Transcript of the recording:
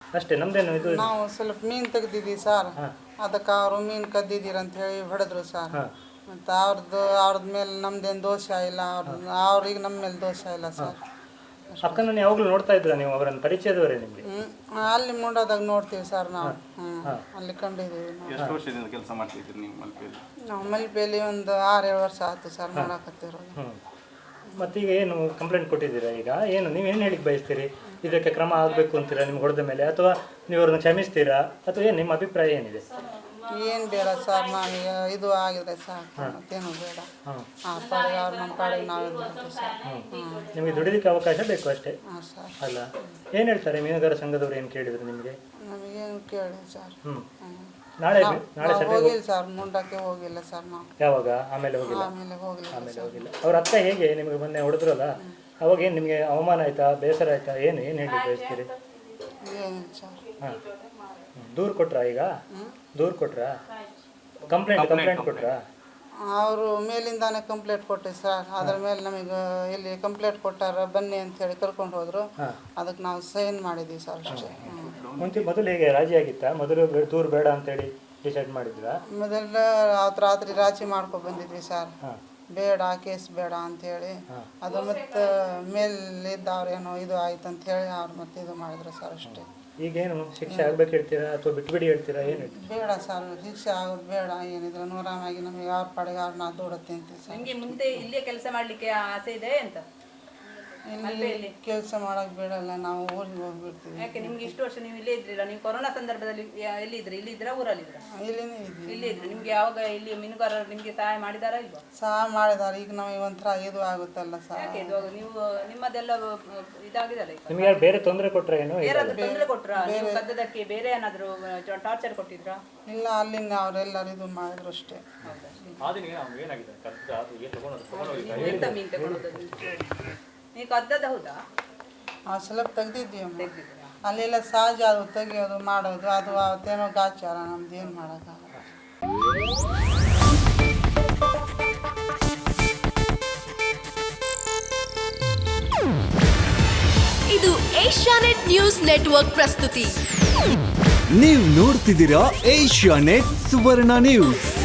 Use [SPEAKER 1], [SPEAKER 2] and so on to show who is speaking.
[SPEAKER 1] ಅಷ್ಟೇ, ನಮ್ದೇನು ಇದು?
[SPEAKER 2] ನಾವು ಸ್ವಲ್ಪ ಮೀನು ತೆಗ್ದಿದ್ದೀವಿ ಸರ್, ಅದಕ್ಕೆ ಅವರು ಮೀನು ಕದ್ದಿದ್ದೀರ ಅಂತ ಹೇಳಿ ಹೊಡೆದ್ರು ಸರ್. ಮತ್ತು ಅವ್ರದ್ದು ಮೇಲೆ ನಮ್ದೇನು ದೋಷ ಇಲ್ಲ, ಅವ್ರಿಗೆ ನಮ್ಮ ಮೇಲೆ ದೋಷ ಇಲ್ಲ ಸರ್.
[SPEAKER 1] ಅಕ್ಕನ ಯಾವಾಗಲೂ ನೋಡ್ತಾ ಇದ್ರ ನೀವು? ಅವರನ್ನು ಪರಿಚಯದವರೇ ನಿಮಗೆ?
[SPEAKER 2] ಅಲ್ಲಿ ಮುಂಡೋದಾಗ ನೋಡ್ತೀವಿ ಸರ್ ನಾವು. ಅಲ್ಲಿ ಕಂಡಿದ್ದೀವಿ.
[SPEAKER 3] ಎಷ್ಟು ವರ್ಷದಿಂದ ಕೆಲಸ ಮಾಡ್ತಿದ್ದೀರಿ ನೀವು ಮಲ್ಪೆಯಲ್ಲಿ?
[SPEAKER 2] ನಾವು ಮಲ್ಪೆಯಲ್ಲಿ ಒಂದು 6-7 ವರ್ಷ ಆಯ್ತು ಸರ್ ಮಾಡಕತ್ತಿರೋದು.
[SPEAKER 1] ಮತ್ತೀಗ ಏನು ಕಂಪ್ಲೇಂಟ್ ಕೊಟ್ಟಿದ್ದೀರಾ? ಈಗ ಏನು ನೀವೇನು ಹೇಳಿಕ್ಕೆ ಬಯಸ್ತೀರಿ? ಇದಕ್ಕೆ ಕ್ರಮ ಆಗಬೇಕು ಅಂತೀರಾ ನಿಮ್ಗೆ ಹೊಡೆದ ಮೇಲೆ, ಅಥವಾ ನೀವು ಅವ್ರನ್ನ ಕ್ಷಮಿಸ್ತೀರಾ, ಅಥವಾ ಏನು ನಿಮ್ಮ ಅಭಿಪ್ರಾಯ ಏನಿದೆ?
[SPEAKER 2] ಏನು ಬೇಡ ಸರ್, ನಮಗೆ ಇದು ಆಗಿದೆ ಸಾಕು, ಮತ್ತೇನು ಬೇಡ. ಆ ಪಾಡಿಗೆ ಅವ್ರು ನಮ್ಮ ಪಾಡಿಗೆ ನಾವೇ ಬಿಡ್ತೀವಿ ಸರ್.
[SPEAKER 1] ನಿಮಗೆ ದುಡಿದಕ್ಕೆ ಅವಕಾಶ ಬೇಕು ಅಷ್ಟೇ.
[SPEAKER 2] ಹಾಂ ಸರ್.
[SPEAKER 1] ಅಲ್ಲ, ಏನು ಹೇಳ್ತಾರೆ ಮೀನುಗಾರ ಸಂಘದವ್ರು? ಏನು ಕೇಳಿದ್ರು ನಿಮಗೆ?
[SPEAKER 2] ನಮಗೇನು ಕೇಳಿ ಸರ್.
[SPEAKER 1] ನಾಳೆ
[SPEAKER 2] ಹೋಗಿಲ್ಲ ಸರ್, ಮುಂಡಕ್ಕೆ ಹೋಗಿಲ್ಲ ಸರ್ ನಾವು.
[SPEAKER 1] ಯಾವಾಗ? ಆಮೇಲೆ ಹೋಗಿಲ್ಲ?
[SPEAKER 2] ಆಮೇಲೆ ಹೋಗಿಲ್ಲ.
[SPEAKER 1] ಅವ್ರ ಅತ್ತ ಹೇಗೆ ನಿಮಗೆ ಮೊನ್ನೆ ಹೊಡೆದ್ರಲ್ಲ, ಅವಾಗ ಏನು ನಿಮಗೆ ಅವಮಾನ ಆಯ್ತಾ, ಬೇಸರ ಆಯ್ತಾ, ಏನು ಹೇಳಿ ಬಯಸ್ತೀರಿ?
[SPEAKER 2] ಏನಿಲ್ಲ ಸರ್.
[SPEAKER 1] ಹಾಂ, ದೂರು ಕೊಟ್ರಾ? ಈಗ ದೂರು ಕೊಟ್ರಾ? ಕಂಪ್ಲೇಂಟ್ ಕೊಟ್ರಾ?
[SPEAKER 2] ಅವರು ಮೇಲಿಂದಾನೆ ಕಂಪ್ಲೇಂಟ್ ಕೊಟ್ಟೆ ಸರ್. ಅದ್ರ ಮೇಲೆ ನಮಗೆ ಇಲ್ಲಿ ಕಂಪ್ಲೇಂಟ್ ಕೊಟ್ಟಾರ, ಬನ್ನಿ ಅಂತ ಹೇಳಿ ಕರ್ಕೊಂಡು ಹೋದ್ರು. ಅದಕ್ಕೆ ನಾವು ಸೈನ್ ಮಾಡಿದ್ದೀವಿ ಸರ್ ಅಷ್ಟೇ.
[SPEAKER 1] ಮೊದಲು ಹೇಗೆ ರಾಜಿ ಆಗಿತ್ತಾ? ಮೊದಲು ದೂರು ಬೇಡ ಅಂತೇಳಿ ಡಿಸೈಡ್ ಮಾಡಿದ್ರಾ?
[SPEAKER 2] ಮೊದಲ ಅವತ್ತು ರಾತ್ರಿ ರಾಜಿ ಮಾಡ್ಕೊಂಡು ಬಂದಿದ್ವಿ ಸರ್, ಬೇಡ ಕೇಸ್ ಬೇಡ ಅಂಥೇಳಿ. ಅದು ಮತ್ತು ಮೇಲಿದ್ದವ್ರೇನೋ ಇದು ಆಯ್ತು ಅಂತ ಹೇಳಿ ಅವ್ರು ಮತ್ತೆ ಇದು ಮಾಡಿದ್ರು ಸರ್ ಅಷ್ಟೇ.
[SPEAKER 1] ಈಗೇನು ಶಿಕ್ಷೆ ಆಗ್ಬೇಕು ಹೇಳ್ತೀರಾ, ಅಥವಾ ಬಿಟ್ಬಿಡಿ ಹೇಳ್ತೀರಾ? ಏನು
[SPEAKER 2] ಬೇಡ ಸರ್, ಶಿಕ್ಷೆ ಆಗೋದು ಬೇಡ. ಏನಿದ್ರೆ ನೂರಾಮಾಗಿ ನಮಗೆ ಅವ್ರ ಪಾಡಿಗೆ ಅವ್ರನ್ನ ದುಡುತ್ತೆ ಅಂತೀವಿ ಸರ್.
[SPEAKER 4] ನಿಮಗೆ ಮುಂದೆ ಇಲ್ಲೇ ಕೆಲಸ ಮಾಡಲಿಕ್ಕೆ ಆಸೆ ಇದೆ ಅಂತ?
[SPEAKER 2] ಇಲ್ಲಿ ಕೆಲಸ ಮಾಡೋಕೆ ಬೇಡಲ್ಲ, ನಾವು ಊರಿಗೆ ಹೋಗ್ಬಿಡ್ತೀವಿ.
[SPEAKER 4] ಯಾಕೆ ನಿಮ್ಗೆ ಇಷ್ಟು ವರ್ಷ ನೀವು ಇಲ್ಲೇ ಇದ್ರಿಲ್ಲ? ನೀವು ಕೊರೋನಾ ಸಂದರ್ಭದಲ್ಲಿ ಎಲ್ಲಿದ್ರಿ? ಇಲ್ಲಿದ್ರಾ ಊರಲ್ಲಿದ್ರ?
[SPEAKER 2] ಇಲ್ಲಿನೇ ಇದ್ವಿ.
[SPEAKER 4] ಇಲ್ಲೇ ಇದ್ರಿ. ನಿಮ್ಗೆ ಯಾವಾಗ ಇಲ್ಲಿ ಮೀನುಗಾರರು ನಿಮ್ಗೆ ಸಹಾಯ ಮಾಡಿದಾರಾ ಇಲ್ವಾ?
[SPEAKER 2] ಸಹಾಯ ಮಾಡಿದಾರೆ. ಈಗ ನಮಗೆ ಒಂಥರ ಇದು ಆಗುತ್ತಲ್ಲ ಸರ್.
[SPEAKER 4] ಯಾಕೆ ಇದು ನೀವು ನಿಮ್ಮದೆಲ್ಲ ಇದಾಗಿದಲ್ಲ?
[SPEAKER 1] ನಿಮ್ಗೆ ಯಾರು ಬೇರೆ ತೊಂದರೆ ಕೊಟ್ರ? ಏನು
[SPEAKER 4] ಯಾರಾದ್ರೂ ತೊಂದರೆ ಕೊಟ್ರಾ? ನೀವು ಕದ್ದದಕ್ಕೆ ಬೇರೆ ಏನಾದ್ರು ಟಾರ್ಚರ್ ಕೊಟ್ಟಿದ್ರಾ?
[SPEAKER 2] ಇಲ್ಲ, ಅಲ್ಲಿಂದ ಅವರೆಲ್ಲರೂ ಇದು ಮಾಡಿದ್ರು ಅಷ್ಟೇ.
[SPEAKER 4] ಎಂತ ಮೀನು ತಗೊಳ್ಳೋದು? ನೀವು ಕದ್ದದ ಹೌದಾ?
[SPEAKER 2] ಸ್ವಲ್ಪ ತೆಗ್ದಿದ್ವಿ ಅಮ್ಮ. ಅಲ್ಲೆಲ್ಲ ಸಹಜ ಅದು ತೆಗಿಯೋದು ಮಾಡೋದು, ಅದು ಅವತ್ತೇನೋ ಗಾಚಾರ, ನಮ್ದು ಏನು ಮಾಡೋಕ್ಕಾಗಲ್ಲ.
[SPEAKER 5] ಇದು ಏಷ್ಯಾನೆಟ್ ನ್ಯೂಸ್ ನೆಟ್ವರ್ಕ್ ಪ್ರಸ್ತುತಿ.
[SPEAKER 6] ನೀವು ನೋಡ್ತಿದ್ದೀರಾ ಏಷ್ಯಾನೆಟ್ ಸುವರ್ಣ ನ್ಯೂಸ್.